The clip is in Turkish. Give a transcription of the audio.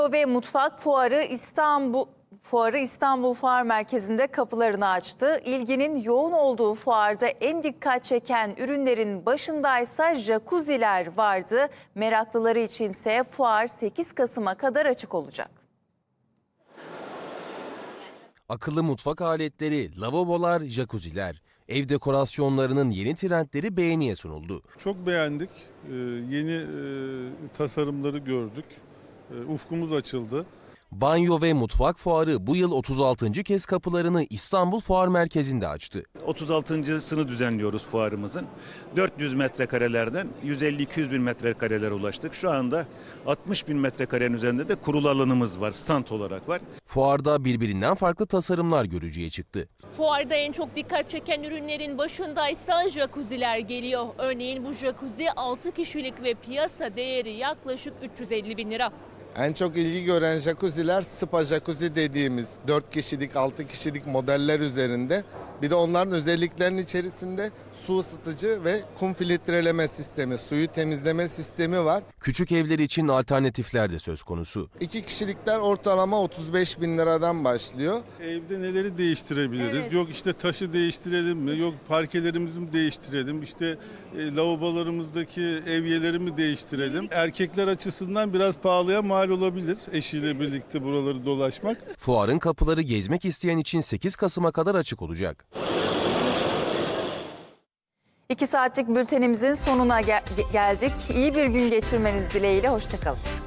Banyo ve Mutfak Fuarı İstanbul Fuar Merkezi'nde kapılarını açtı. İlginin yoğun olduğu fuarda en dikkat çeken ürünlerin başındaysa jacuzziler vardı. Meraklıları içinse fuar 8 Kasım'a kadar açık olacak. Akıllı mutfak aletleri, lavabolar, jacuzziler, ev dekorasyonlarının yeni trendleri beğeniye sunuldu. Çok beğendik. Yeni tasarımları gördük. Ufkumuz açıldı. Banyo ve Mutfak Fuarı bu yıl 36. kez kapılarını İstanbul Fuar Merkezi'nde açtı. 36.sını düzenliyoruz fuarımızın. 400 metrekarelerden 150-200 bin metrekarelere ulaştık. Şu anda 60 bin metrekarenin üzerinde de kurul alanımız var, stand olarak var. Fuarda birbirinden farklı tasarımlar görücüye çıktı. Fuarda en çok dikkat çeken ürünlerin başındaysa jacuzziler geliyor. Örneğin bu jacuzzi 6 kişilik ve piyasa değeri yaklaşık 350 bin lira. En çok ilgi gören jacuzziler spa jacuzzi dediğimiz 4 kişilik 6 kişilik modeller üzerinde. Bir de onların özelliklerinin içerisinde su ısıtıcı ve kum filtreleme sistemi, suyu temizleme sistemi var. Küçük evler için alternatifler de söz konusu. 2 kişilikler ortalama 35 bin liradan başlıyor. Evde neleri değiştirebiliriz? Evet. Yok işte taşı değiştirelim mi? Yok parkelerimizi mi değiştirelim? İşte lavabolarımızdaki evyeleri mi değiştirelim? Erkekler açısından biraz pahalıya mal olabilir eşiyle birlikte buraları dolaşmak. Fuarın kapıları gezmek isteyen için 8 Kasım'a kadar açık olacak. 2 saatlik bültenimizin sonuna geldik. İyi bir gün geçirmeniz dileğiyle. Hoşça kalın.